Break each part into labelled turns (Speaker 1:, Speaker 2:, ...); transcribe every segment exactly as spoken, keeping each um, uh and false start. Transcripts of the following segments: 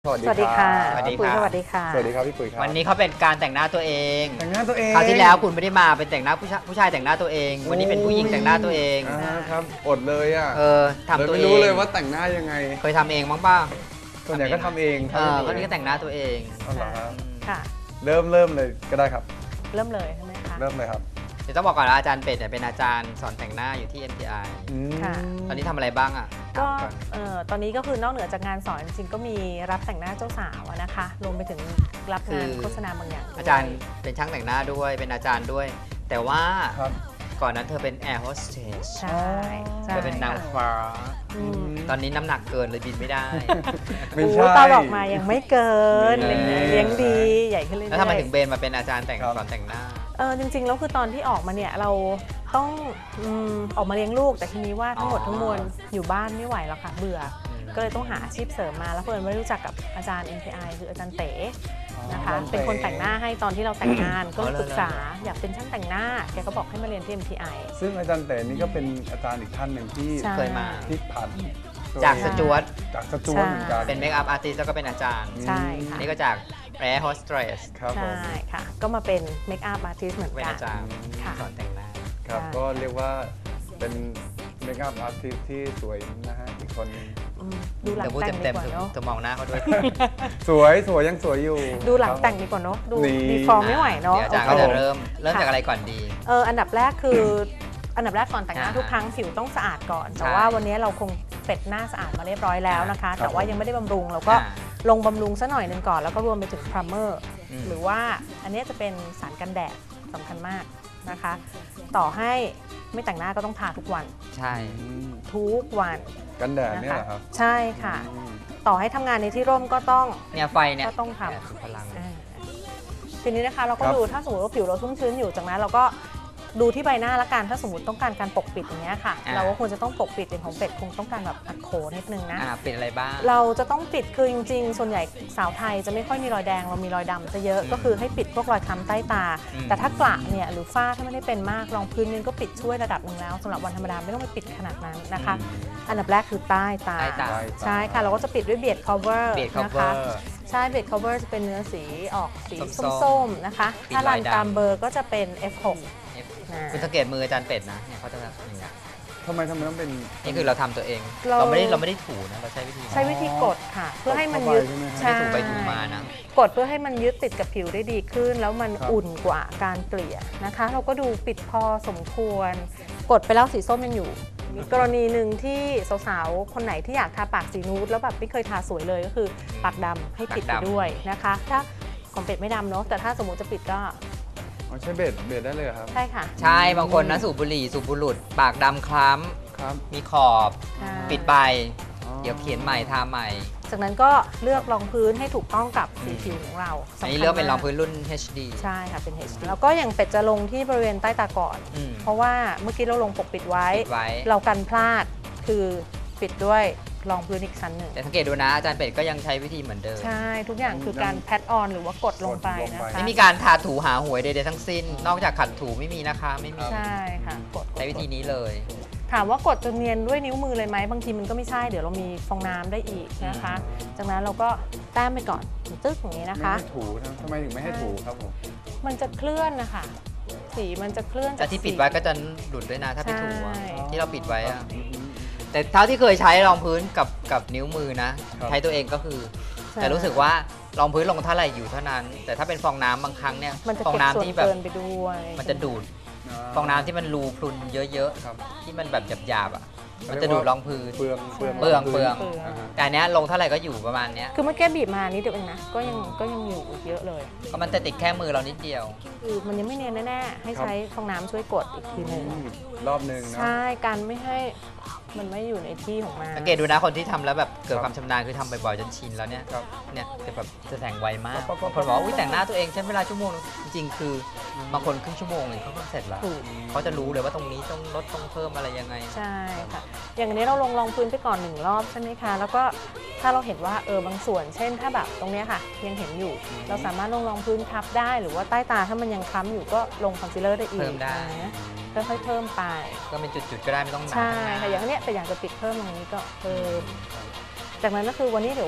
Speaker 1: สวัสดีค่ะ
Speaker 2: สวัสดี
Speaker 1: พี่ปุ๋ย
Speaker 2: ค่ะ
Speaker 1: สวัสดีค่ะ
Speaker 3: สวัสดีครับพี่ปุ๋ยครับ
Speaker 2: วันนี้เขาเป็นการแต่งหน้าตัวเอง
Speaker 3: แต่งหน้าตัวเอง
Speaker 2: คราวที่แล้วคุณไม่ได้มาเป็นแต่งหน้าผู้ชายผู้ชายแต่งหน้าตัวเอง วันนี้เป็นผู้หญิงแต่งหน้าตัวเอง
Speaker 3: อ่าครับอดเลยอ่ะ
Speaker 2: เออทำตัว
Speaker 3: ไม่
Speaker 2: เอง
Speaker 3: รู้เลยว่าแต่งหน้ายังไง
Speaker 2: เคยทำเองบ้างป่ะ
Speaker 3: ส่วนใหญ่ก็ทำเอง
Speaker 2: เออเขานี่ก็แต่งหน้าตัวเอง
Speaker 3: เอาเหรอครับ
Speaker 1: ค่ะ
Speaker 3: เริ่มเริ่มเลยก็ได้ครับ
Speaker 1: เริ่มเลยใช่ไหมคะ
Speaker 3: เริ่มเลยครับ
Speaker 2: เดี๋ยวต้องบอกก่อนว่าอาจารย์เป็ดเนี่ยเป็นอาจารย์สอนแต่งหน้าอยู่ที่ เอ็ม ที ไอ
Speaker 3: อืม
Speaker 1: ค่ะ
Speaker 2: ตอนนี้ทำอะไรบ้างอ่ะ
Speaker 1: ก็
Speaker 2: ถามอน
Speaker 1: เอ่อตอนนี้ก็คือนอกเหนือจากงานสอนจริงๆก็มีรับแต่งหน้าเจ้าสาวอะนะคะ รวมไปถึงรับงานโฆษณาบางอย่างด้วย
Speaker 2: อาจารย์เป็นช่างแต่งหน้าด้วยเป็นอาจารย์ด้วย แต่ว่า
Speaker 3: ครับ
Speaker 2: ก่อนนั้นเธอเป็นแอร์โฮสเตส
Speaker 1: ใช่ใช่
Speaker 2: เธอเป็นนาง
Speaker 1: ค่ะ
Speaker 2: ฟ้า
Speaker 1: อืม
Speaker 2: ตอนนี้น้ำหนักเกินเลยบินไม่ได้
Speaker 3: ไม่
Speaker 1: โอ้
Speaker 3: ใช่
Speaker 1: ตอนออกมายังไม่เกิน
Speaker 3: นี่
Speaker 1: เลี้ยงดีใหญ่ขึ้นเรื่อยๆ
Speaker 2: แล้วทำไมถึงเบนมาเป็นอาจารย์แต่ง
Speaker 3: ครับ
Speaker 2: สอนแต่งหน้า
Speaker 1: เออจริงๆแล้วคือตอนที่ออกมาเนี่ยเราต้องอืมออกมาเลี้ยงลูกแต่ทีนี้ว่าทั้งหมดทั้งมวลอยู่บ้านไม่ไหวแล้วค่ะเบื่อ ก็เลยต้องหาอาชีพเสริมมาแล้วเพิ่นไม่รู้จักกับอาจารย์ เอ็ม ที ไอ คืออาจารย์เต๋นะคะ เป็นคนแต่งหน้าให้ตอนที่เราแต่งงาน ก็เลยปรึกษาอยากเป็นช่างแต่งหน้าแกก็บอกให้มาเรียนที่ เอ็ม ที ไอ
Speaker 3: ซึ่งอาจารย์เต๋นี่ก็เป็นอาจารย์อีกท่านหนึ่งที่
Speaker 1: ใช่
Speaker 2: เคยมา
Speaker 3: ที่ผ่าน
Speaker 2: จากสจวต
Speaker 3: จากสจวตเหมือนกัน
Speaker 2: เป็นเมคอัพอาร์ติสแล้วก็เป็นอาจารย์
Speaker 1: ใช่ค่ะ
Speaker 2: อันนี่ก็จากแอร์โฮสเตส
Speaker 3: ครับผม
Speaker 1: ใช่ค่ะ ก็มาเป็นเมคอัพอาร์ติสเหมือน
Speaker 2: เป็น
Speaker 1: กัน
Speaker 2: อาจารย์
Speaker 1: ค่ะ
Speaker 2: สอนแต่งหน้า
Speaker 3: ครับ
Speaker 1: ใช่
Speaker 3: ก็เรียกว่าเป็นเมคอัพอาร์ติสที่สวยนะฮะอีกคนนึง
Speaker 1: อืมดูหลัง
Speaker 2: เดี๋ยวพูด
Speaker 1: แต่งดี
Speaker 2: เต็ม
Speaker 1: ก
Speaker 2: ๆ
Speaker 1: ว่า
Speaker 2: เธอ
Speaker 1: เนาะ
Speaker 2: เธอมองหน้าเขาด้วย
Speaker 3: สวยสวยยังสวยอยู่
Speaker 1: ดูหลัง
Speaker 3: ครับ
Speaker 1: แต่งดีกว่าเนาะดู
Speaker 3: นี่
Speaker 1: ดีฟอร์มไม่ไหวเนาะ
Speaker 2: เดี๋ยวอาจารย์
Speaker 1: โอ
Speaker 2: ก็
Speaker 1: เค
Speaker 2: จะเริ่มเริ่ม
Speaker 1: ค่ะ
Speaker 2: จากอะไรก่อนดี
Speaker 1: เอออันดับแรกคือ อันดับแรกก่อนแต่งหน้า
Speaker 2: อ่า
Speaker 1: ทุกครั้งผิวต้องสะอาดก่อน แต่
Speaker 2: ใช่
Speaker 1: ว่าวันนี้เราคงเป็ดหน้าสะอาดมาเรียบร้อยแล้วนะคะ
Speaker 3: ครับ
Speaker 1: แต่ว่ายังไม่ได้บำรุงเราก็
Speaker 2: อ่า
Speaker 1: ลงบำรุงซะหน่อยหนึ่งก่อน แล้วก็รวมไปถึงพรัมเมอร์
Speaker 2: อืม
Speaker 1: หรือว่าอันนี้จะเป็นสารกันแดดสำคัญมากนะคะ ต่อให้ไม่แต่งหน้าก็ต้องทาทุกวัน
Speaker 2: ใช่
Speaker 3: อืม
Speaker 1: ทุกวัน
Speaker 3: กันแดด
Speaker 1: นะ
Speaker 3: เนี่ย
Speaker 1: คะ
Speaker 3: เหรอครับ
Speaker 1: ใช่ค่ะ
Speaker 3: อืม
Speaker 1: ต่อให้ทำงานในที่ร่มก็ต้อง
Speaker 2: เนี่ยไฟเนี่ย
Speaker 1: ก็ต้องทำ
Speaker 2: เนี่ยสุดพลัง
Speaker 1: อ่าทีนี้นะคะเราก็
Speaker 3: ครับ
Speaker 1: ดูถ้าสมมติว่าผิวเราชุ่มชื้นอยู่จากนั้นเราก็ดูที่ใบหน้าละกันถ้าสมมติต้องการการปกปิดอย่างเงี้ยค่ะ
Speaker 2: อ่า
Speaker 1: เราก็ควรจะต้องปกปิดเป็นของเป็ดคงต้องการแบบอัดโขนนิดนึงนะ
Speaker 2: อ่าเป็นอะไรบ้าง
Speaker 1: เราจะต้องปิดคือจริงๆ ส่วนใหญ่สาวไทยจะไม่ค่อยมีรอยแดงเรามีรอยดำจะเยอะ
Speaker 2: อืม
Speaker 1: ก็คือให้ปิดพวกรอยค้ำใต้ตา
Speaker 2: อืม
Speaker 1: แต่ถ้ากระเนี่ยหรือฝ้าถ้าไม่ได้เป็นมากรองพื้นนึงก็ปิดช่วยระดับหนึ่งแล้วสำหรับวันธรรมดาไม่ต้องไปปิดขนาดนั้นนะคะ อันดับแรกคือใต้ตา
Speaker 2: ใต้ตา
Speaker 1: ใช่ค่ะเราก็จะปิดด้วยเบียด cover
Speaker 2: เบสคัฟ
Speaker 1: นะ
Speaker 2: เวอ
Speaker 1: คะ
Speaker 2: ร์
Speaker 1: ใช่เบด cover จะเป็นเนื้อสีออกสี
Speaker 2: ส้มๆ
Speaker 1: ส้มๆนะคะ
Speaker 2: ปิด
Speaker 1: ถ้ารัน
Speaker 2: ลายดำ
Speaker 1: ตามเบอร์ก็จะเป็น เอฟ หก อ่า
Speaker 2: คุณสังเกตมืออาจารย์เป็ดนะเนี่ยเขาจะแบบอย่างเงี้ย
Speaker 3: ทำไมทำไมต้องเป็น
Speaker 2: นี่คือเราทำตัวเอง
Speaker 1: เรา
Speaker 2: เราไม่ได้เราไม่ได้ถูนะเราใช้วิธี
Speaker 1: ใช้วิธีกดค่ะ เพื่อให้มัน
Speaker 3: เข้าไป
Speaker 1: ยึด
Speaker 3: ใช่ไหมครับ
Speaker 2: ไม่ได้ถูไปถูมานะ
Speaker 1: กดเพื่อให้มันยึดติดกับผิวได้ดีขึ้น แล้วมัน
Speaker 3: ครับ
Speaker 1: อุ่นกว่าการเกลี่ยนะคะ เราก็ดูปิดพอสมควร กดไปแล้วสีส้มยังอยู่ มีกรณีหนึ่งที่สาวๆ คนไหนที่อยากทาปากสีนูดแล้วแบบไม่เคยทาสวยเลยก็คือปากดำให้ปิดไป
Speaker 2: ปากดำ
Speaker 1: ด้วยนะคะ ถ้าของเป็ดไม่ดำเนาะแต่ถ้าสมมติจะปิดก็
Speaker 3: อ๋อใช้เบสเบสได้เลยเหรอครับ
Speaker 1: ใช่ค่ะ
Speaker 2: ใช่บางคนนะสูบบุหรี่สูบบุหรุษปากดำคล้
Speaker 3: ครับ
Speaker 2: ำมีขอบ
Speaker 1: ใช่
Speaker 2: ปิดไป
Speaker 3: อ๋อ
Speaker 2: เดี๋ยวเขียนใหม่ทาใหม่
Speaker 1: จากนั้นก็เลือกรองพื้นให้ถูกต้องกับสีผิวของเรา
Speaker 2: อันนี้
Speaker 1: สำคัญ
Speaker 2: เลือกเป็นรอง
Speaker 1: มาก
Speaker 2: พื้นรุ่น เอช ดี
Speaker 1: ใช่ค่ะเป็น เอช ดี แล้วก็อย่างเป็ดจะลงที่บริเวณใต้ตาก่อน
Speaker 2: อืม
Speaker 1: เพราะว่าเมื่อกี้เราลงปกปิดไว้
Speaker 2: ปิดไว้
Speaker 1: เรากันพลาดคือปิดด้วยรองพื้นอีกชั้นหนึ่ง
Speaker 2: แต่สังเกตดูนะอาจารย์เป็ดก็ยังใช้วิธีเหมือนเดิม
Speaker 1: ใช่ทุกอย่างคือการแพทออนหรือว่ากดลงไป
Speaker 3: กดลง
Speaker 1: นะ
Speaker 3: ไป
Speaker 1: คะ
Speaker 2: ไม่มีการทาถูหาหวยใดๆทั้งสิ้น นอกจากขัดถูไม่มีนะคะไม่มี
Speaker 1: ใช่ค่ะกด
Speaker 2: ใช้วิธีนี้เลย
Speaker 1: ถามว่ากดจนเนียนด้วยนิ้วมือเลยไหมบางทีมันก็ไม่ใช่เดี๋ยวเรามีฟองน้ำได้อีกนะคะ จากนั้นเราก็แต้มไปก่อนตึ๊กอย่างนี้นะ
Speaker 3: ไม่
Speaker 1: คะ
Speaker 3: ให้ถูนะทำไมถึงไม่ให้ถูครับผม
Speaker 1: มันจะเคลื่อนนะคะสีมันจะเคลื่อน
Speaker 2: แต่
Speaker 1: จาก
Speaker 2: ที่ปิด
Speaker 1: สี
Speaker 2: ไว้ก็จะหลุดด้วยนะถ้าไปถูอะ
Speaker 1: ใช่
Speaker 2: ที่เราปิดไว้อะ
Speaker 3: อืมอืม
Speaker 2: แต่เท่าที่เคยใช้รองพื้นกับกับนิ้วมือนะ
Speaker 3: ครับ
Speaker 2: ใช้ตัวเองก็คือ
Speaker 1: ใช่
Speaker 2: แต่รู้สึกว่ารองพื้นลงเท่าไหร่อยู่เท่านั้น แต่ถ้าเป็นฟองน้ำบางครั้งเนี่ย
Speaker 1: มันจะ
Speaker 2: ฟอง
Speaker 1: เก็บ
Speaker 2: น้ำ
Speaker 1: ส่วน
Speaker 2: ที่แบบ
Speaker 1: เกินไปด้วย
Speaker 2: มันจะดูดฟองน้ำที่มันรูพรุนเยอะ
Speaker 3: ครับ
Speaker 2: ๆ ที่มันแบบหยาบๆอ่ะมันจะดูดรองพื้น
Speaker 3: เปลืองเปลือง
Speaker 2: เปลืองเปลือง
Speaker 1: เปลือง
Speaker 3: าฮะ
Speaker 2: แต่อันเนี้ยลงเท่าไหร่ก็อยู่ประมาณเนี้ย
Speaker 1: คือเมื่อกี้บีบมานิดเดียวเองนะก็ยังก็ยังอยู่อีกเยอะเลย
Speaker 2: ก็มันจะติดแค่มือเรานิดเดียว
Speaker 1: คือมันยังไม่เนียนแน่ๆให้ใช้ฟองน้ำช่วยกดอีกทีหนึ่ง
Speaker 3: อืมรอบหนึ่งนะ
Speaker 1: ใช่การไม่ให้มันไม่อยู่ในที่ของมัน
Speaker 2: สังเกตดูนะคนที่ทำแล้วแบบเกิด
Speaker 3: ครับ
Speaker 2: ความชำนาญคือทำบ่อยๆจนชินแล้วเนี่ย
Speaker 3: ครับ
Speaker 2: เนี่ยจะแบบจะแต่งไวมาก
Speaker 3: ปั๊บปั๊
Speaker 2: บา
Speaker 3: บ
Speaker 2: ง
Speaker 3: ปั๊บ
Speaker 2: คนบอกว่าอุ้ยแต่งหน้าตัวเองใช้เวลาชั่วโมงนึงจริงๆ คือบางคนครึ่งชั่วโมงเลยเขาก็เสร็จแล้ว
Speaker 1: ถูก
Speaker 2: เขาจะรู้เลยว่าตรงนี้ต้องลดต้องเพิ่มอะไรยังไง
Speaker 1: ใช่ค่ะ อย่างนี้เราลงรองพื้นไปก่อนหนึ่งรอบใช่ไหมคะ แล้วก็ถ้าเราเห็นว่าเออบางส่วน เช่นถ้าแบบตรงเนี้ยค่ะ ยังเห็นอยู่ เราสามารถลงรองพื้นทับได้ หรือว่าใต้ตาถ้ามันยังคล้ำอยู่ก็ลงคอนซีลเลอร์ได้อีก
Speaker 2: เพิ่มได้
Speaker 1: นะค่อยๆเพิ่มไป
Speaker 2: ก็เป็นจุดๆก็ได้ไม่ต้องหนา
Speaker 1: ใช่
Speaker 2: ทั้งหน้า
Speaker 1: ค่ะอย่างเนี้ยแต่อยากจะปิดเพิ่มตรงนี้ก็เพิ่มจากนั้นก็คือวันนี้เดี๋ยว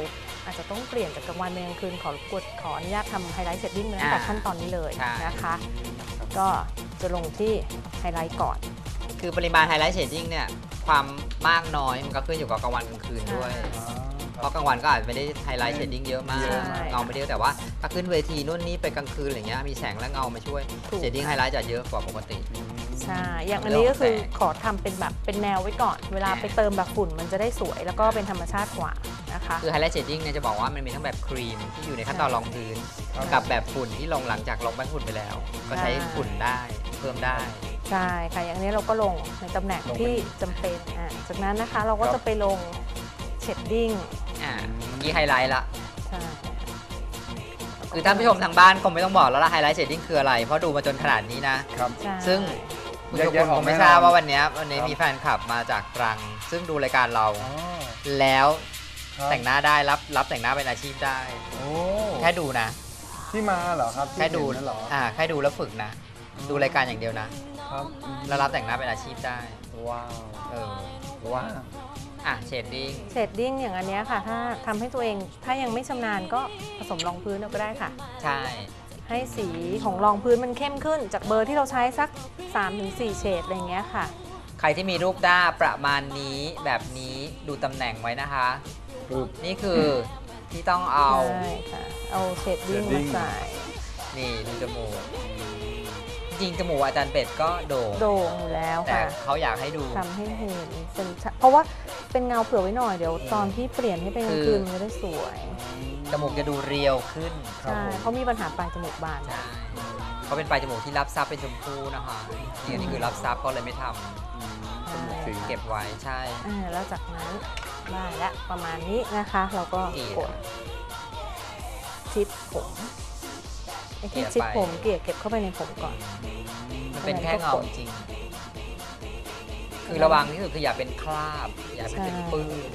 Speaker 1: อาจจะต้องเปลี่ยนจากกลางวันเป็นกลางคืนขอกดขออนุญาตทำไฮไลท์เชดดิ้งตั้งแต่ขั้นตอนนี้เลยนะคะ ก็จะลงที่ไฮไลท์ก่อน
Speaker 2: คือปริมาณไฮไลท์เชดดิ้งเนี่ยความมากน้อยมันก็ขึ้นอยู่กับกลางวันกลางคืนด้วย
Speaker 3: อ๋อ
Speaker 2: เพราะกลางวันก็อาจจะไม่ได้ไฮไลท์เชดดิ้งเยอะมาก
Speaker 1: ใช่
Speaker 2: เงาไม่ได้เยอะแต่ว่าถ้าขึ้นเวทีนู่นนี่ไปกลางคืนอะไรเงี้ยมีแสงและเงามาช่วย
Speaker 1: ถูก
Speaker 2: เชดดิ้งไฮไลท์จะเยอะกว่าปกติ
Speaker 1: ใช่ อย่างอันนี้ก็คือขอทำเป็นแบบเป็นแนวไว้ก่อน เวลาไปเติมแบบฝุ่นมันจะได้สวยแล้วก็เป็นธรรมชาติกว่านะคะ
Speaker 2: คือไฮไลท์เชดดิ้งเนี่ยจะบอกว่ามันมีทั้งแบบครีมที่อยู่ในขั้นตอนรองพื้น
Speaker 3: ครับ
Speaker 2: กับแบบฝุ่นที่ลงหลังจากลงแป้งฝุ่นไปแล้ว ก็ใช้ฝุ่นได้เพิ่มได้
Speaker 1: ใช่ค่ะ อย่างนี้เราก็ลงในตำแหน่งที่จำเป็นอ่ะจากนั้นนะคะเราก็จะไปลงเชดดิ้ง
Speaker 2: อ่าเมื่อกี้ไฮไลท์ละ
Speaker 1: ใช่
Speaker 2: คือท่านผู้ชมทางบ้านคงไม่ต้องบอกแล้วละไฮไลท์เชดดิ้งคืออะไร เพราะดูมาจนขนาดนี้นะ
Speaker 3: ครับ
Speaker 1: ใช่
Speaker 2: ซึ่งคุณทุก
Speaker 3: แย
Speaker 2: ค
Speaker 3: ก
Speaker 2: น
Speaker 3: ๆอ
Speaker 2: ค
Speaker 3: อก
Speaker 2: งไม่
Speaker 3: แน่
Speaker 2: ทราบ
Speaker 3: นอน
Speaker 2: ว่าวันนี้วันนี้
Speaker 3: ครับ
Speaker 2: มีแฟนคลับมาจากตรัง ซึ่งดูรายการเรา
Speaker 3: อ๋อ
Speaker 2: แล้ว
Speaker 3: ครับ
Speaker 2: แต่งหน้าได้รับรับแต่งหน้าเป็นอาชีพได้
Speaker 3: โอ้
Speaker 2: แค่ดูนะ
Speaker 3: ที่มาเหรอครับที่
Speaker 2: แค่ดู
Speaker 3: เห็นนั่นเหรอ
Speaker 2: อ่าแค่ดูแล้วฝึกนะ ดูรายการอย่างเดียวนะ
Speaker 3: ครับ
Speaker 2: แล้วรับแต่งหน้าเป็นอาชีพได้
Speaker 3: ว้าว
Speaker 2: เออ
Speaker 3: ว้าว
Speaker 2: อ่ะเชดดิ้ง
Speaker 1: เชดดิ้งอย่างอันเนี้ยค่ะ ถ้าทำให้ตัวเองถ้ายังไม่ชำนาญก็ผสมรองพื้นเอาก็ได้ค่ะ
Speaker 2: ใช่
Speaker 1: ให้สีของรองพื้นมันเข้มขึ้น จากเบอร์ที่เราใช้สัก สามถึงสี่ เฉดอะไรอย่างเงี้ยค่ะ
Speaker 2: ใครที่มีรูปด้าประมาณนี้แบบนี้ดูตำแหน่งไว้นะคะ
Speaker 3: ปึ๊บ
Speaker 2: นี่คือที่ต้องเอา
Speaker 1: ใช่ค่ะ เอาเชดดิ้ง
Speaker 3: shading
Speaker 1: มาใส่
Speaker 2: นี่ดูจมูก จริงๆจมูกอาจารย์เป็ดก็โด่ง
Speaker 1: โด่งอยู่แล้ว
Speaker 2: แต่
Speaker 1: ค่ะ
Speaker 2: เขาอยากให้ดู
Speaker 1: ทำให้เห็นเป็นชัดเพราะว่าเป็นเงาเผื่อไว้หน่อยเดี๋ยวตอนที่เปลี่ยนให้เป็นกลางคืนมันจะได้สวย
Speaker 2: จมูกจะดูเรียวขึ้น
Speaker 3: ครับ
Speaker 1: ใช่
Speaker 3: ผม
Speaker 1: เขามีปัญหาปลายจมูกบาน
Speaker 2: ใช่เขาเป็นปลายจมูกที่รับซับเป็นชมพูนะคะนี่อันนี้คือรับซับก็เลยไม่ทำ
Speaker 3: อืมจมูกสี
Speaker 2: เก็บไว้ใช่
Speaker 1: อ่าแล้วจากนั้นได้และประมาณนี้นะคะ เราก็
Speaker 2: เกลี่ย
Speaker 1: กดชิดผมไอ้ที่
Speaker 2: เกลี่ย
Speaker 1: ชิด
Speaker 2: ไป
Speaker 1: ผมเกลี่ยเก็บเข้าไปในผมก่อน
Speaker 2: มันเป็นแค่เงาจริงๆคือระวังที่สุดคืออย่าเป็นคราบ อย่าเป็นเป็นปื้น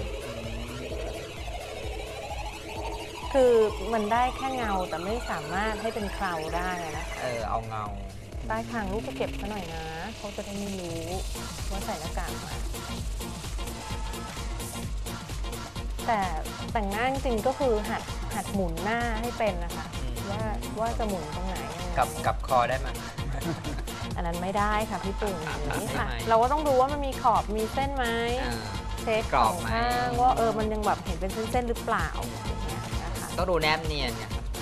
Speaker 1: คือมันได้แค่เงาแต่ไม่สามารถให้เป็นเคราได้นะคะ
Speaker 2: เออเอาเงา
Speaker 1: ใต้คางลูกก็เก็บซะหน่อยนะเขาจะได้ไม่รู้ว่าใส่หน้ากากมาแต่แต่งหน้าจริงๆก็คือหัดหัดหมุนหน้าให้เป็นนะคะ
Speaker 2: อืม
Speaker 1: ว่าว่าจะหมุนตรงไหนยังไง
Speaker 2: กับกับคอได้ไหม
Speaker 1: อันนั้นไม่ได้ค่ะพี่ปุ่งอย่างนี้ค่ะ
Speaker 2: ทำไม
Speaker 1: เราก็ต้องดูว่ามันมีขอบมีเส้นไหม
Speaker 2: อ่า
Speaker 1: เช็ค
Speaker 2: กร
Speaker 1: ส
Speaker 2: อ
Speaker 1: อบ ง
Speaker 2: ไหม
Speaker 1: ข้างว่าเออมันยังแบบเห็นเป็นเส้นๆหรือเปล่าอย่างเงี้ยนะคะ
Speaker 2: ต้องดูแนบเนียนไง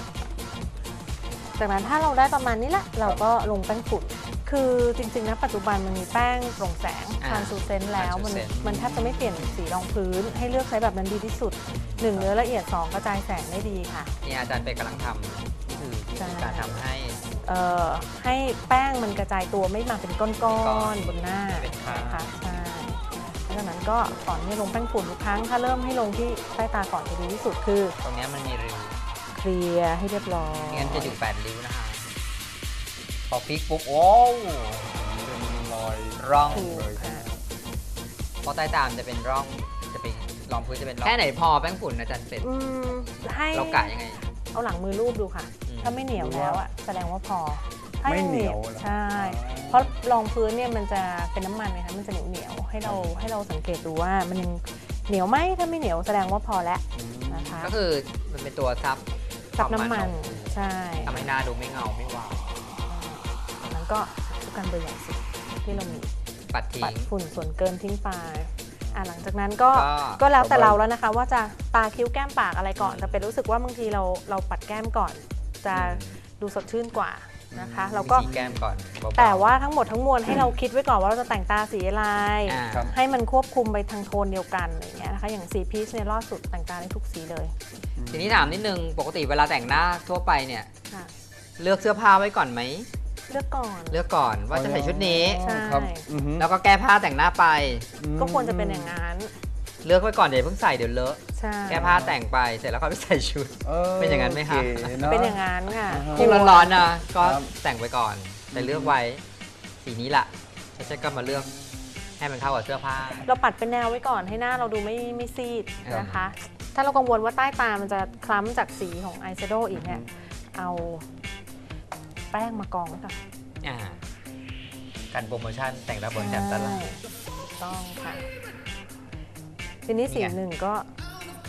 Speaker 1: จากนั้นถ้าเราได้ประมาณนี้แหละเราก็ลงแป้งฝุ่น คือจริงๆนะปัจจุบันมันมีแป้งโปร่งแสง
Speaker 2: อ่า
Speaker 1: ทรานซูเซนต์แล้วมัน
Speaker 2: translucent
Speaker 1: มันแทบจะไม่เปลี่ยนสีรองพื้น ให้เลือกใช้แบบนั้นดีที่สุดหนึ่งเนื้อละเอียดสองกระจายแสงได้ดีค่ะ
Speaker 2: นี่อาจารย์เป็ดกำลังทำนี่คือวิธีการทำให้
Speaker 1: เอ่อให้แป้งมันกระจายตัวไม่มาเป็นก้
Speaker 2: ก้
Speaker 1: อ
Speaker 2: อน
Speaker 1: นๆบนหน้า
Speaker 2: เป็นคราบ
Speaker 1: นะคะใช่แล้วจากนั้นก็ก่อนที่จะลงแป้งฝุ่นทุกครั้งถ้าเริ่มให้ลงที่ใต้ตาก่อนจะดีที่สุดคือ
Speaker 2: ตรงเนี้ยมันมีริ้ว
Speaker 1: เคลียร์ให้เรียบร้อย
Speaker 2: ไม่งั้นจะอยู่แปดริ้วนะคะพอพลิกปุ๊บโอ้
Speaker 3: เป็นรอย
Speaker 2: ร่อง
Speaker 1: ถูก
Speaker 3: เลย
Speaker 1: ค่ะ
Speaker 2: เพราะใต้ตามจะเป็นร่องจะเป็นรองพื้นจะเป็นร่องแค่ไหนพอแป้งฝุ่นอาจารย์เป็ด
Speaker 1: อืมให้
Speaker 2: เรากะยังไง
Speaker 1: เอาหลังมือรูปดูค่ะ
Speaker 2: อืม
Speaker 1: ถ้าไม่เหนียวแล้วอ่ะแสดงว่าพอ ถ้า
Speaker 3: ไม่
Speaker 1: ยัง
Speaker 3: เหนียวเหรอ
Speaker 1: ใช่ เพราะรองพื้นเนี่ยมันจะเป็นน้ำมันนะคะมันจะเหนียวเหนียวๆให้เราให้เราสังเกตดูว่ามันยังเหนียวไหมถ้าไม่เหนียวแสดงว่าพอแล้ว
Speaker 3: อืม
Speaker 1: นะคะ
Speaker 2: ก็คือมันเป็นตัวซับ
Speaker 1: ซับน้ำมัน
Speaker 2: ของ
Speaker 1: ใช่
Speaker 2: ทำให้หน้าดูไม่เงาไม่วาว
Speaker 1: จากนั้นก็ทุกการเบอร์ใหญ่สุดที่เรามี
Speaker 2: ปัดทิ้
Speaker 1: ปัด
Speaker 2: ง
Speaker 1: ฝุ่นส่วนเกินทิ้งไปอ่ะหลังจากนั้นก็
Speaker 2: ก็
Speaker 1: ก็แล้วแต่เราแล้วนะคะ ว่าจะตาคิ้วแก้มปากอะไรก่อนแต่เป็นรู้สึกว่าบางทีเราเราปัดแก้มก่อน จะดูสดชื่นกว่านะคะเราก็
Speaker 2: วิธีแก้มก่อนเบๆ
Speaker 1: แต่ว่าทั้งหมดทั้งมวลให้เราคิดไว้ก่อนว่าเราจะแต่งตาสีอะไร
Speaker 2: อ่า
Speaker 3: ครับ
Speaker 1: ให้มันควบคุมไปทางโทนเดียวกันอะไรอย่างเงี้ยนะคะอย่างสีพีชเนี่ยรอดสุดแต่งตาได้ทุกสีเลย
Speaker 2: ทีนี้ถามนิดนึงปกติเวลาแต่งหน้าทั่วไปเนี่ย
Speaker 1: ค่ะ
Speaker 2: เลือกเสื้อผ้าไว้ก่อนไหม
Speaker 1: เลือกก่อน
Speaker 2: เลือกก่อนว่าจะใส่ชุดนี้
Speaker 1: ใช่
Speaker 3: ครับอือฮึ
Speaker 2: แล้วก็แก้ผ้าแต่งหน้าไป
Speaker 1: ก็ควรจะเป็นอย่างนั้น
Speaker 2: เลือกไว้ก่อนเดี๋ยวเพิ่งใส่เดี๋ยวเลอะ
Speaker 1: ใช่
Speaker 2: แก้ผ้าแต่งไปเสร็จแล้วก็ไปใส่ชุด เป็นอย่างนั้นไหมคะ
Speaker 3: โอเนอะ
Speaker 1: เป็นอย่างนั้นค่ะ
Speaker 3: อ่าฮะ
Speaker 2: ยิ่งร้อนๆนะก็
Speaker 3: ครับ
Speaker 2: แต่งไปก่อน แต่เลือกไว้สีนี้ละแล้วฉันก็มาเลือกให้มันเข้ากับเสื้อผ้า
Speaker 1: เราปัดเป็นแนวไว้ก่อนให้หน้าเราดูไม่ไม่ซีด
Speaker 2: ครับ
Speaker 1: นะคะ ถ้าเรากังวลว่าใต้ตามันจะคล้ำจากสีของอายแชโดว์อีกเนี่ยเอาแป้งมากองไว้ก่อน
Speaker 2: อ่าการโปรโมชั่นแต่งระบนแจ่มตลาด
Speaker 1: ใช่ถูกต้องค่ะ ทีนี้สี
Speaker 2: นี่ไง
Speaker 1: หนึ่งก็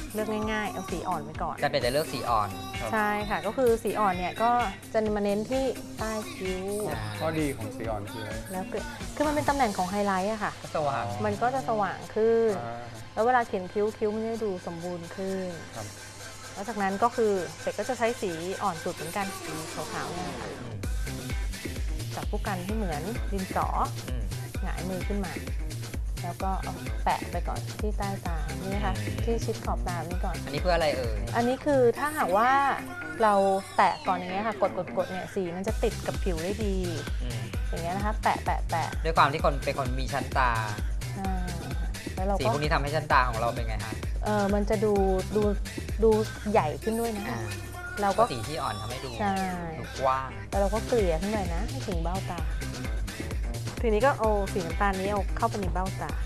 Speaker 1: เลือกง่ายๆเอาสีอ่อนไว้ก่อน
Speaker 2: อาจารย์เป็ดจะเลือกสีอ่อน
Speaker 3: ครับ
Speaker 1: ใช่ค่ะก็คือสีอ่อนเนี่ยก็จะมาเน้นที่ใต้คิ้ว
Speaker 2: อ่า
Speaker 3: ข้อดีของสีอ่อนคืออะไร
Speaker 1: แล้วคือคือมันเป็นตำแหน่งของไฮไลท์อะค่ะ
Speaker 2: ก็สว่าง
Speaker 1: มันก็จะสว่างขึ้น
Speaker 3: อ่า
Speaker 1: แล้วเวลาเขียนคิ้วคิ้วมันจะดูสมบูรณ์ขึ้น
Speaker 3: ครับ
Speaker 1: แล้วจากนั้นก็คือเป็ดก็จะใช้สีอ่อนสุดเหมือนกันสีขาวๆเนี่ยค่ะ
Speaker 2: อืม
Speaker 1: จับผู้กันที่เหมือนดินสอ
Speaker 2: อืม
Speaker 1: หงายมือขึ้นมา แล้วก็เอาแปะไปก่อนที่ใต้ตานี่นะคะ
Speaker 2: อืม
Speaker 1: ที่ชิดขอบตานี้ก่อน
Speaker 2: อันนี้เพื่ออะไรเอ่ย
Speaker 1: อันนี้คือถ้าหากว่าเราแตะก่อนอย่างเงี้ยค่ะกดกดกดเนี่ยสีมันจะติดกับผิวได้ดี
Speaker 2: อืม
Speaker 1: อย่างเงี้ยนะคะแปะแปะแปะ
Speaker 2: ด้วยความที่คนเป็นคนมีชั้นตา
Speaker 1: อ่าแล้วเรา
Speaker 2: สี
Speaker 1: ก็
Speaker 2: พวกนี้ทำให้ชั้นตาของเราเป็นไงฮะ
Speaker 1: เออมันจะดูดูดูใหญ่ขึ้นด้วยนะ
Speaker 2: อ่า
Speaker 1: เรา
Speaker 2: ก็
Speaker 1: ก็
Speaker 2: สีที่อ่อนทำให้ดู
Speaker 1: ใช่
Speaker 2: ดูกว้าง
Speaker 1: แล้วเราก็เกลี่ยขึ้นไปนะให้ถึงเบ้าตา ทีนี้ก็เอาสีน้ำตาลนี้เอาเข้าไปในเบ้าตา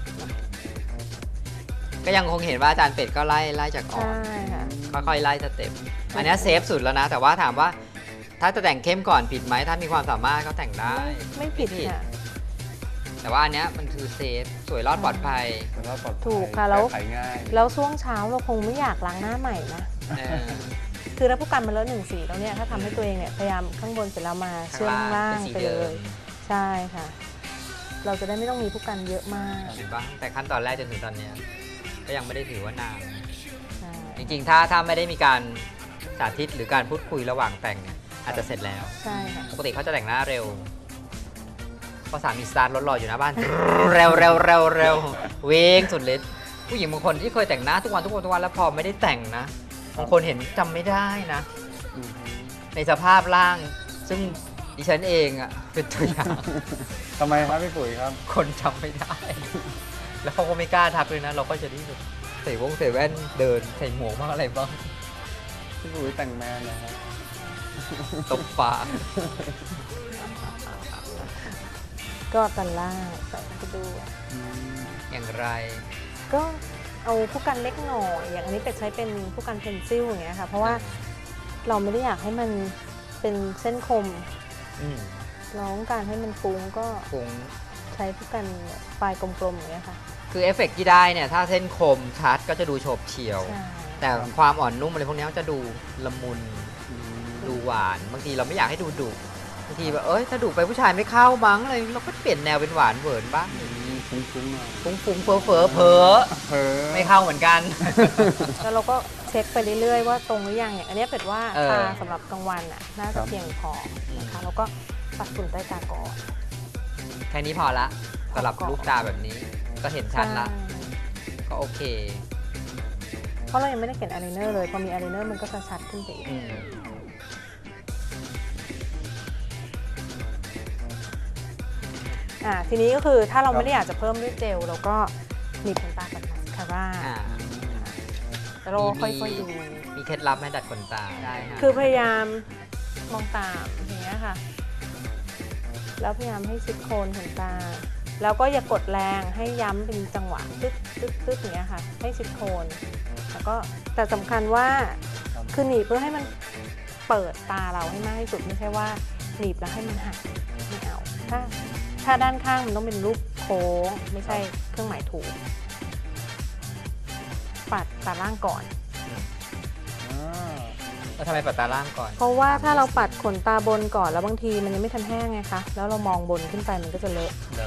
Speaker 2: ก็ยังคงเห็นว่าอาจารย์เป็ดก็ไล่ไล่จากอ่อน
Speaker 1: ใช่ค่ะ
Speaker 2: ค่อยๆไล่สเต็ปอันเนี้ยเซฟสุดแล้วนะ แต่ว่าถามว่าถ้าจะแต่งเข้มก่อนผิดไหมถ้ามีความสามารถก็แต่งได้
Speaker 1: ไม่ไม่ผิดค่ะ
Speaker 2: แต่ว่าอันเนี้ยมันคือเซฟสวยรอดปลอดภัย
Speaker 3: แต่ว่าปลอดภัย
Speaker 1: ถูกค่ะแล้ว
Speaker 3: ก้ไขง่าย
Speaker 1: แล้วช่วงเช้าเราคงไม่อยากล้างหน้าใหม่นะ
Speaker 2: เออ
Speaker 1: คือถ้าผู้กันมาแล้วหนึ่งสีแล้วเนี่ยถ้าทำให้ตัวเองเนี่ยพยายามข้างบนเสร็จแล้วมาเชื่อมข้างล่างไปเลย ใช่ค่ะ เราจะได้ไม่ต้องมีผู้กันเยอะมาก
Speaker 2: เห็นปะแต่ขั้นตอนแรกจนถึงตอนเนี้ยก็ยังไม่ได้ถือว่านาน
Speaker 1: ใช่
Speaker 2: จริงๆ ถ้าถ้าไม่ได้มีการสาธิตหรือการพูดคุยระหว่างแต่งเนี่ยอาจจะเสร็จแล้ว
Speaker 1: ใช่ค่ะ
Speaker 2: ปกติเขาจะแต่งหน้าเร็วเพราะสามีสตาร์ทรถรออยู่หน้าบ้าน เร็วเร็วเร็วเร็วเวงสุดฤทธิ์ผู้หญิงบางคนที่เคยแต่งหน้าทุกวันทุกวันทุกวันแล้วพอไม่ได้แต่งนะบางคนเห็นจำไม่ได้นะ
Speaker 3: อืม
Speaker 2: ในสภาพร่าง ซึ่งดิฉันเองอะเป็นตัวอย่าง
Speaker 3: ทำไมครับพี่ปุ๋ยครับ
Speaker 2: คนจำไม่ได้ แล้วเขาก็ไม่กล้าทักเลยนะ เราก็จะที่ใส่วงใส่แว่นเดินใส่หมวกบ้างอะไรบ้าง
Speaker 3: พี่ปุ๋ยแต่งแมนนะครับ
Speaker 2: ตบฟ้า
Speaker 1: ก็ตันล่างใส่เข้าไปด้วย
Speaker 3: อืม
Speaker 2: อย่างไร
Speaker 1: ก็เอาผู้กันเล็กหน่อย อย่างอันนี้เป็ดใช้เป็นผู้กันเพนซิลอย่างเงี้ยค่ะ เพราะว่าเราไม่ได้อยากให้มันเป็นเส้นคม
Speaker 2: อืม
Speaker 1: เราต้องการให้มันฟุ้งก็
Speaker 2: คง
Speaker 1: ใช้ผู้กันปลายกลมๆอย่างเงี้ยค่ะ
Speaker 2: คือเอฟเฟกต์ที่ได้เนี่ย ถ้าเส้นคมชัดก็จะดูโฉบเฉี่ยว
Speaker 1: ใช่
Speaker 2: แต่ความอ่อนนุ่มอะไรพวกนี้มันจะดูละมุน
Speaker 3: อืม
Speaker 2: ดูหวาน บางทีเราไม่อยากให้ดูดุบางทีแบบเอ้ยถ้าดุไปผู้ชายไม่เข้ามั้งอะไรเราก็เปลี่ยนแนวเป็นหวานเหวินบ้าง
Speaker 3: ฟุ้งๆหน่อย
Speaker 2: ฟุ้งฟุ้งเฟ้อเฟ้อเพ้อ
Speaker 3: เพ้อ
Speaker 2: ไม่เข้าเหมือนกัน
Speaker 1: แล้วเราก็เช็คไปเรื่อยๆว่าตรงหรือยังอย่างอันเนี้ยเป็ดว่า
Speaker 2: เออ
Speaker 1: ทาสำหรับกลางวันน่ะน่าจะเพียงพอนะคะแล้วก็ปัดฝุ่นใต้ตาก่อน
Speaker 2: แค่นี้พอละสำหรับลูกตาแบบนี้ ก็เห็นชัดละ
Speaker 1: ใช่
Speaker 2: ก็โอเค
Speaker 1: เพราะเรายังไม่ได้เขียนอายไลเนอร์เลยพอมีอายไลเนอร์มันก็จะชัดขึ้นไปอีก
Speaker 2: อืม
Speaker 1: อ่าทีนี้ก็คือถ้าเราไม่ได้อยากจะเพิ่มด้วยเจลเราก็หนีบขนตากับมาสคาร่า
Speaker 2: อ่า
Speaker 1: แล้วเราค่อยๆดู
Speaker 2: มีเคล็ดลับไหมดัดขนตาได้ฮะ
Speaker 1: คือพยายามมองตามอย่างเงี้ยค่ะ แล้วพยายามให้ชิดโคนขนตา แล้วก็อย่ากดแรงให้ย้ำเป็นจังหวะตึ๊ดตึ๊ดตึ๊ดอย่างเงี้ยค่ะ ให้ชิดโคน แล้วก็แต่สำคัญว่าคือหนีบเพื่อให้มันเปิดตาเราให้มากที่สุดไม่ใช่ว่าหนีบแล้วให้มันหักไม่เอาถ้าถ้าด้านข้างมันต้องเป็นรูปโค้งไม่ใช่เครื่องหมายถูก ปัดตาล่างก่อน
Speaker 3: อ่า
Speaker 2: แล้วทำไมปัดตาล่างก่อน
Speaker 1: เพราะว่าถ้าเราปัดขนตาบนก่อนแล้วบางทีมันยังไม่ทันแห้งไงคะแล้วเรามองบนขึ้นไปมันก็จะเลอะ
Speaker 2: เลอะ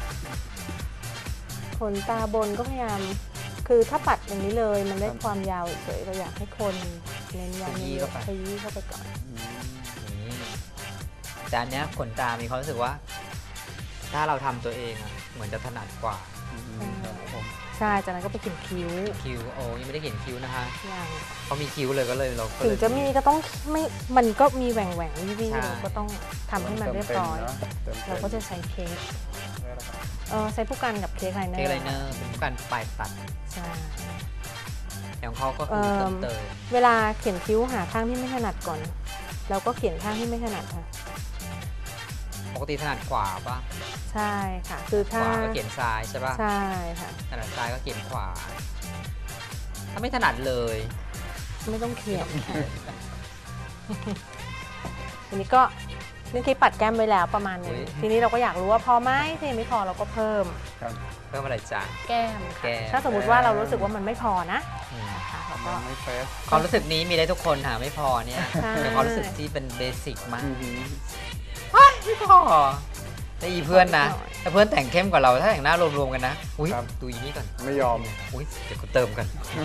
Speaker 1: ขนตาบนก็พยายามคือถ้าปัดอย่างนี้เลยมันได้ความยาวเฉยๆเราอยากให้คนเน้นย้ำเยอะๆขยี้เข้าไปก่อน
Speaker 3: อืม
Speaker 2: นี่แต่อันเนี้ยขนตามีความรู้สึกว่า ถ้าเราทำตัวเองอะเหมือนจะถนัดกว่า
Speaker 3: อืมครับผม
Speaker 1: ใช่จากนั้นก็ไปเขียนคิ้ว
Speaker 2: คิ้วโอ้ยังไม่ได้เขียนคิ้วนะคะ
Speaker 1: อย่าง
Speaker 2: เขามีคิ้วเลยก็เลยเราก็
Speaker 1: ถึ
Speaker 2: เล
Speaker 1: ง
Speaker 2: ย
Speaker 1: จะมีก็ต้องไม่มันก็มีแหว่งแหว่งๆวิว
Speaker 2: ใช่
Speaker 1: ๆเราก็ต้องทำให้มันเรียบร้อย
Speaker 3: เติมเต็ม
Speaker 1: เราก็จะใช้เค้ก
Speaker 3: ได้แล้วครับ
Speaker 1: เออใช้ผู้กันกับเค้กไลเนอร์
Speaker 2: เค้กไลเนอร์เป็นการปลายตัด
Speaker 1: ใช่
Speaker 2: แต่ของเขาก็คือเติมเติม
Speaker 1: เวลาเขียนคิ้วหาข้างที่ไม่ถนัดก่อน แล้วก็เขียนข้างที่ไม่ถนัดค่ะ
Speaker 2: ปกติถนัดขวาปะ
Speaker 1: ใช่ค่ะ คือ
Speaker 2: ข
Speaker 1: ถ้าว
Speaker 2: าก็เขียนซ้ายใช่ปะ
Speaker 1: ใช่ค่ะ
Speaker 2: ถนัดซ้ายก็เขียนขวา ถ้าไม่ถนัดเลย
Speaker 1: ไม่ต้องเขียนค่ะ ทีนี้ก็นี่คิดปัดแก้มไว้แล้วประมาณนึงทีนี้เราก็อยากรู้ว่าพอไหมถ้ายังไม่พอเราก็เพิ่ม
Speaker 3: ครับ
Speaker 2: เพิ่มอะไรจ้ะ
Speaker 1: แก้ม
Speaker 2: แก้
Speaker 1: ค่ะ
Speaker 2: ม
Speaker 1: ถ้าสมมติว่าเรารู้สึกว่ามันไม่พอนะ
Speaker 2: อืม
Speaker 1: นะคะเราก็
Speaker 3: ยังไม่เฟส
Speaker 2: ความรู้สึกนี้มีได้ทุกคนหาไม่พอเนี่ย
Speaker 1: ใช่
Speaker 2: เป็นความรู้สึกที่เป็นเบสิกมาก
Speaker 3: อือหือ
Speaker 2: ไม่พอแต่อีเพื่อนนะถ้าเพื่อนแต่งเข้มกว่าเราถ้าแต่งหน้ารวมๆกันนะอุ้ยดูอีนี่ก่อน
Speaker 3: ไม่ยอม
Speaker 2: อุ้ยเดี๋ยวกูเติมกัน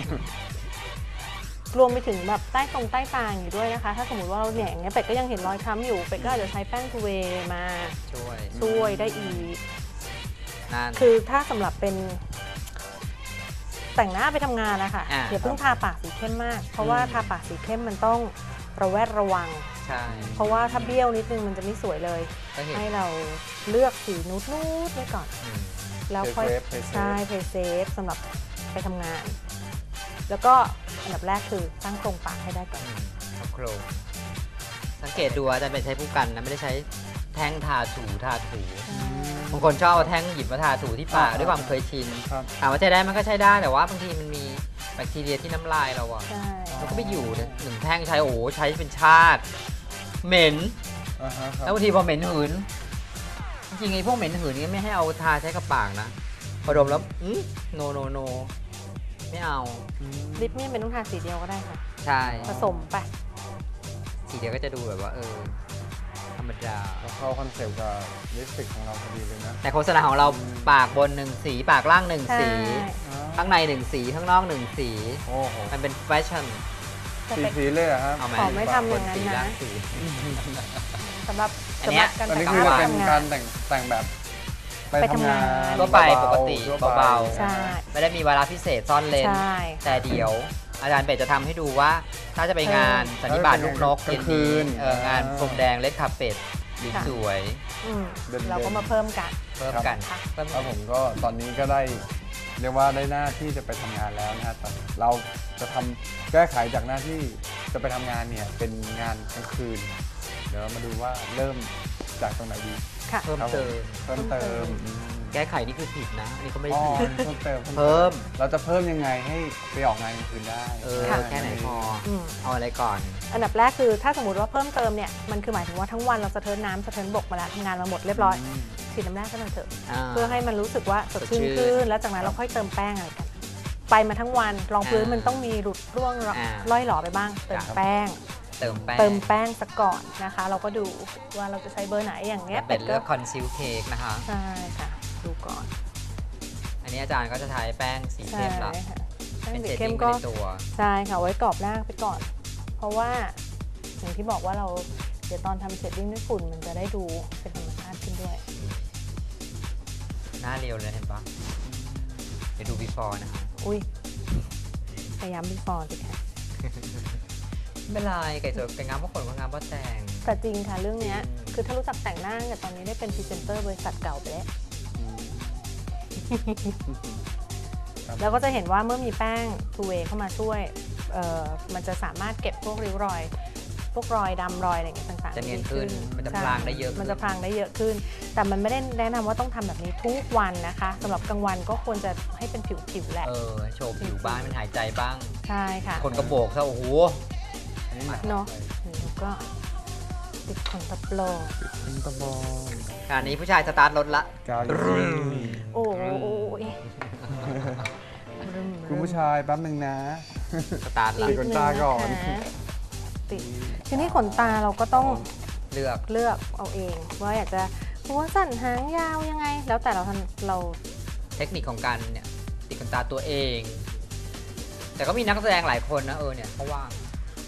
Speaker 1: รวมไปถึงแบบใต้ตรงใต้ตาอยู่ด้วยนะคะ ถ้าสมมติว่าเราเนี่ยอย่างเงี้ยเป็ดก็ยังเห็นรอยคล้ำอยู่เป็ดก็อาจจะใช้แป้งทูเวย์มา
Speaker 2: ช่วย
Speaker 1: ช่วยได้อีก
Speaker 2: นั่น
Speaker 1: คือถ้าสำหรับเป็นแต่งหน้าไปทำงานนะคะ
Speaker 2: อ่า
Speaker 1: อย่าเพิ่งทาปากสีเข้มมาก เพราะว่าทาปากสีเข้มมันต้องระแวดระวัง
Speaker 2: ใช่
Speaker 1: เพราะว่าถ้าเบี้ยวนิดนึงมันจะไม่สวยเลย
Speaker 2: ก็เห็น
Speaker 1: ให้เราเลือกสีนูดนูดไว้ก่อน
Speaker 2: อืม
Speaker 1: แล้วค่อย
Speaker 3: เพย์เซฟเพย์เซฟ
Speaker 1: ใช่เพย์เซฟสำหรับไปทำงาน แล้วก็อันดับแรกคือตั้งโครงปากให้ได้ก่อน
Speaker 2: อืมเอาโครงสังเกตดูอาจารย์เป็นใช้ผู้กันนะไม่ได้ใช้แท่งทาถูทาถูบางคนชอบเอาแท่งหยิบมาทาถูที่ปากด้วยความเคยชิน
Speaker 3: ครับ
Speaker 2: ถามว่าใช้ได้มันก็ใช้ได้แต่ว่าบางทีมันมีแบคทีเรียที่น้ำลายเราอะ
Speaker 1: ใช่
Speaker 2: มันก็ไม่อยู่เนี่ยหนึ่งแท่งใช้โอ้โหใช้เป็นชาติ เหม็น
Speaker 3: อ่าฮะค
Speaker 2: แล้
Speaker 3: รั
Speaker 2: ว
Speaker 3: บบ
Speaker 2: างทีพอเหม็นหืนจริงๆไอ้พวกเหม็นหืนนี่ไม่ให้เอาทาใช้กับปากนะพอดมแล้วอืมโนโนโนไม่เอา
Speaker 1: ลิปเนี่ยเป็นต้องทาสีเดียวก็ได้ค่ะ
Speaker 2: ใช่
Speaker 1: ผสมไป
Speaker 2: สีเดียวก็จะดูแบบว่าเออธรรมดา
Speaker 3: ก็เข้าคอนเซปต์กับลิปสติกของเราพอดีเลยนะ
Speaker 2: แต่โฆษณาของเราปากบนหนึ่งสีปากล่างหนึ่ง
Speaker 1: ใช่
Speaker 2: สี ข้างในหนึ่งสีข้างนอกหนึ่งสี
Speaker 3: โอ้โห
Speaker 2: มันเป็นแฟชั่น
Speaker 1: แต่
Speaker 3: สี
Speaker 1: เป็น
Speaker 3: สีเลยเหรอครับ
Speaker 2: เอาไหม
Speaker 1: ขอไม่ทำอย่างนั้นนะ
Speaker 2: บสีล่างสี
Speaker 1: สำหรับ
Speaker 2: อันเนี้ย
Speaker 1: สำหรับการ
Speaker 3: อัน
Speaker 1: แต่
Speaker 3: นี้
Speaker 1: ง
Speaker 3: คือ
Speaker 1: ห
Speaker 3: จะ
Speaker 1: น้า
Speaker 3: เป็น
Speaker 1: ทำงา
Speaker 3: กาน รแต่งแต่งแบบไป
Speaker 1: ไป
Speaker 3: ทำ
Speaker 1: ทำงาง
Speaker 3: าน น
Speaker 2: ทั่วไป
Speaker 3: เบาๆ
Speaker 2: ปกติ
Speaker 3: ทั่วไป
Speaker 2: เบา
Speaker 1: ใช่
Speaker 2: ไม่ได้มีวาระพิเศษซ่อนเลน
Speaker 1: ใช่
Speaker 2: แต่เดี๋ยว อาจารย์เป็ดจะทำให้ดูว่า ถ้าจะไปงาน
Speaker 1: เออ
Speaker 2: สันนิบาตลูกนก
Speaker 3: กลาง
Speaker 2: เย็น
Speaker 3: คื
Speaker 2: นี้
Speaker 3: น
Speaker 2: เอองาน
Speaker 3: อ่า
Speaker 2: พรมแดงเล็ดคาเป็ดดี
Speaker 1: ค่ะ
Speaker 2: สวย
Speaker 1: อืม
Speaker 3: เด่นๆ
Speaker 1: เราก็มาเพิ่มกัน
Speaker 2: เพิ่มกัน
Speaker 1: ครับ
Speaker 2: เพิ่ม
Speaker 3: แล้วผมก็ตอนนี้ก็ได้เรียกว่าได้หน้าที่จะไปทำงานแล้วนะฮะแต่เราจะทำแก้ไขจากหน้าที่จะไปทำงานเนี่ยเป็นงานกลางคืน เดี๋ยวเรามาดูว่าเริ่มจากตรงไหนดี
Speaker 1: ค่ะ
Speaker 2: เพิ่ม
Speaker 3: ครับผ
Speaker 2: เติม
Speaker 3: เพิ่มเติมอืม
Speaker 2: แก้ไขนี่คือผิดนะอันนี้ก็ไม่
Speaker 3: อ๋อ
Speaker 2: ผิด
Speaker 3: เพิ่มเติม
Speaker 2: เพิ่ม
Speaker 3: เราจะเพิ่มยังไงให้ไปออกงานกลางคืนได้
Speaker 2: เออ
Speaker 1: ค่ะ
Speaker 2: แค่ไหนพอ
Speaker 1: อืม
Speaker 2: เอาอะไรก่อน
Speaker 1: อันดับแรกคือถ้าสมมติว่าเพิ่มเติมเนี่ยมันคือหมายถึงว่าทั้งวันเราสะเทินน้ำสะเทินบกมาแล้วทำงานมาหมดเรียบร้อย
Speaker 3: ม
Speaker 1: ฉีดน้ำแรกก็หน่อยเถอะ
Speaker 2: อ่า
Speaker 1: เพื่อให้มันรู้สึกว่าสดชื่น
Speaker 2: สดชื่น
Speaker 1: ขึ้นแล้วจากนั้นเราค่อยเติมแป้งอะไรกัน ไปมาทั้งวันรองพื้น
Speaker 2: อ่ามั
Speaker 1: มันต้องมีหลุดร่วง
Speaker 2: อ่า
Speaker 1: ล่อยหล่อไปบ้าง เติม
Speaker 2: ครับ
Speaker 1: แป้ง
Speaker 2: เติมแป้ง
Speaker 1: เติมแป้งสักก่อนนะคะ เราก็ดูว่าเราจะใช้เบอร์ไหนอย่างเงี้ย
Speaker 2: เป็ดเลื
Speaker 1: ก็
Speaker 2: อกคอนซีลเค้กนะคะ
Speaker 1: ใช่ค่ะดูก่อน
Speaker 2: อันนี้อาจารย์ก็จะใช้แป้งสี
Speaker 1: ใช่
Speaker 2: เข้มละ
Speaker 1: ค่ะแป้ง
Speaker 2: เป็น
Speaker 1: สี
Speaker 2: เชด
Speaker 1: เข้
Speaker 2: ดิ้
Speaker 1: ม
Speaker 2: ง
Speaker 1: ก็
Speaker 2: ในตัว
Speaker 1: ใช่ค่ะไว้กรอบหน้าไปก่อน เพราะว่าอย่างที่บอกว่าเราเดี๋ยวตอนทำเชดดิ้งด้วยฝุ่นมันจะได้ดูเป็นธรรมชาติขึ้นด้วย
Speaker 2: หน้าเรียวเลยเห็นปะเดี๋ยวดู before นะคะ
Speaker 1: อุ้ยพยายามบีฟอร์สิค่ะ
Speaker 2: ไม่เป็นไรไก่สวยไก่งามเพราะขนคนงามเพราะแต่ง
Speaker 1: แต่จริงค่ะเรื่องเนี้ย
Speaker 2: จริง
Speaker 1: คือถ้ารู้จักแต่งหน้าเนี่ยตอนนี้ได้เป็นพรีเซนเตอร์บริษัทเก่าไปแล้ว
Speaker 3: ครับ
Speaker 1: แล้วก็จะเห็นว่าเมื่อมีแป้งทูเวย์เข้ามาช่วยเอ่อมันจะสามารถเก็บพวกริ้วรอย พวกรอยดำรอยอะไรอย่างเงี้ยต่างๆ
Speaker 2: จะเนียน
Speaker 1: ดี
Speaker 2: ขึ้นมันจะ
Speaker 1: ใช่
Speaker 2: พลางได้เยอะขึ้น
Speaker 1: มันจะพลางได้เยอะขึ้น แต่มันไม่ได้แนะนำว่าต้องทำแบบนี้ทุกวันนะคะสำหรับกลางวันก็ควรจะให้เป็นผิวๆแหละ
Speaker 2: เออโชว์ผิวบ้างมันหายใจบ้าง
Speaker 1: ใช่ค่ะ
Speaker 2: คนกระโบกซะโอ้โห
Speaker 3: อันนี้หนัก
Speaker 1: เนาะ
Speaker 3: ไป
Speaker 1: แล้วก็ติดขนตะโปร
Speaker 3: เป็นตะบอง
Speaker 2: ขณะนี้ผู้ชายสตาร์ทรถละ
Speaker 3: กาวอยู่ที่นี่
Speaker 1: โอ้ย
Speaker 3: คุณผู้ชายแป๊บนึงนะ
Speaker 2: สตาร์ทละ
Speaker 3: ติดขนตาก่อน
Speaker 1: ติดทีนี้ขนตาเราก็ต้อง
Speaker 2: เลือก
Speaker 1: เลือกเอาเอง ว่าอยากจะหัวสั้นหางยาวยังไง แล้วแต่เราทันเรา
Speaker 2: เทคนิคของการเนี่ยติดขนตาตัวเอง แต่ก็มีนักแสดงหลายคนนะเออเนี่ยเขาว่าง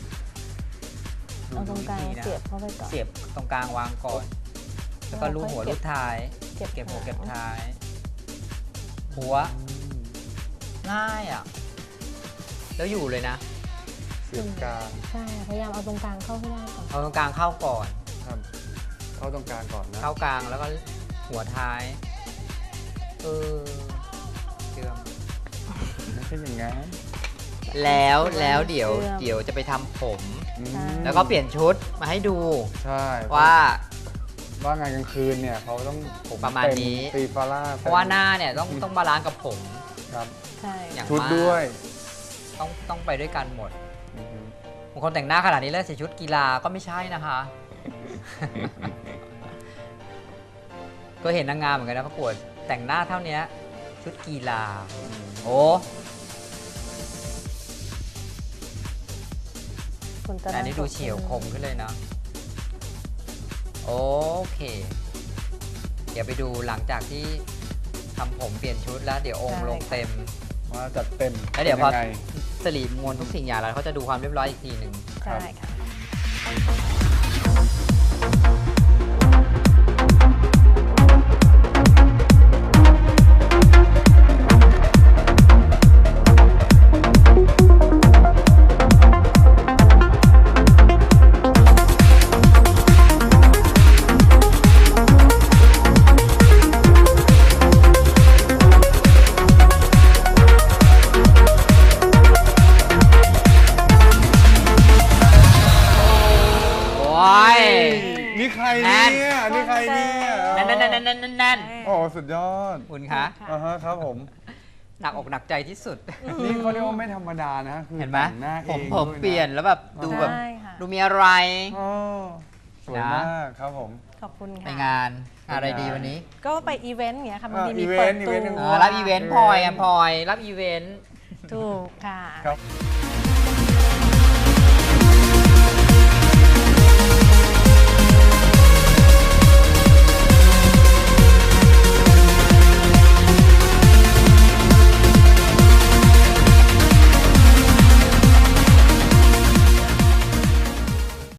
Speaker 1: เอาตรงกลาง
Speaker 2: ดูวิธีนะ
Speaker 1: เสียบเข้าไปก่อน
Speaker 2: เสียบตรงกลางวางก่อน แล้วก็ลูบหัวลูบท้าย
Speaker 1: เก็บ
Speaker 2: เก็บหัว
Speaker 1: หาง
Speaker 2: เก็บท้าย หัวง่ายอ่ะ แล้วอยู่เลยนะ
Speaker 3: เสียบกลาง
Speaker 1: ใช่พยายามเอาตรงกลางเข้าให้ได้ก่อน
Speaker 2: เอาตรงกลางเข้าก่อน
Speaker 3: ครับเข้าตรงกลางก่อนนะ
Speaker 2: เข้ากลางแล้วก็หัวท้าย เออเชื่อม
Speaker 3: ไม่ใช่อย่างนั้น
Speaker 2: แล้วแล้วเดี๋ยวเดี๋ยวจะไปทำผม
Speaker 3: อืม
Speaker 2: แล้วก็เปลี่ยนชุดมาให้ดู
Speaker 3: ใช่
Speaker 2: ว่า
Speaker 3: ว่างานกลางคืนเนี่ยเขาต้องผม
Speaker 2: ประมาณ
Speaker 3: เต็
Speaker 2: นี้
Speaker 3: ตีฟาร่า
Speaker 2: เพราะว่าหน้าเนี่ยต้องต้องบาลานซ์กับผม
Speaker 3: ครับ
Speaker 1: ใช่
Speaker 2: อย่าง
Speaker 3: ชุด
Speaker 2: มาก
Speaker 3: ด้วย
Speaker 2: ต้องต้องไปด้วยกันหมด
Speaker 3: อืม
Speaker 2: บางคนแต่งหน้าขนาดนี้แล้วใส่ชุดกีฬาก็ไม่ใช่นะคะก็เห็นนางงามเหมือนกันนะประกวดแต่งหน้าเท่านี้ชุดกีฬาโอ้
Speaker 1: คุณจะ
Speaker 2: แต่อันนี้ดูเฉียวคมขึ้นเลยเนาะโอเค เดี๋ยวไปดูหลังจากที่ทำผมเปลี่ยนชุดแล้วเดี๋ยวองค์ลงเต็ม
Speaker 3: มาจัดเต็ม
Speaker 2: แล้วเดี๋ยวพอ
Speaker 3: ป็นงไง
Speaker 2: สลีมวลทุกสิ่งอย่างแล้วเขาจะดูความเรียบร้อยอีกทีหนึ่ง
Speaker 1: ใช่ค่ะ
Speaker 2: โอ้ย
Speaker 3: นี่ใคร
Speaker 2: แน่
Speaker 3: เนี่ย
Speaker 2: น
Speaker 3: นี่ใครเนี่ย
Speaker 2: นั่นนั่นนั่นนั่นนั่นนั่น
Speaker 3: โอ้สุดยอด
Speaker 2: คุณคะ
Speaker 3: อ่าฮะครับผม
Speaker 2: หนักอกหนักใจที่สุด
Speaker 3: นี่เขาเรียกว่าไม่ธรรมดานะคือ
Speaker 2: เห็นไหม
Speaker 3: แต่งหน้าเอ
Speaker 2: ผม
Speaker 3: ง
Speaker 2: ผม
Speaker 3: ด้วยะ
Speaker 2: เปลี่ยนแล้วแบบดูแบบ
Speaker 1: ใช่ค่ะ
Speaker 2: ดูมีอะไร
Speaker 3: อ๋อสวย
Speaker 2: นะ
Speaker 3: มากครับผม
Speaker 1: ขอบคุณ
Speaker 2: ไป
Speaker 1: ค่ะ
Speaker 2: งานอะไรดีวันนี้
Speaker 1: ก็ไปอีเวนต์อย่างเงี้ยค่ะบางที
Speaker 3: อ่า
Speaker 1: มี
Speaker 3: อีเว
Speaker 1: เปิ
Speaker 3: น
Speaker 1: ด
Speaker 3: ต์อี
Speaker 1: ตั
Speaker 3: เวนต์หนึ่ง
Speaker 2: เอ
Speaker 1: ว
Speaker 2: อรับอีเวนต์พลอยอะพลอยรับอีเวนต์
Speaker 1: ถูกค่ะ
Speaker 3: ครับ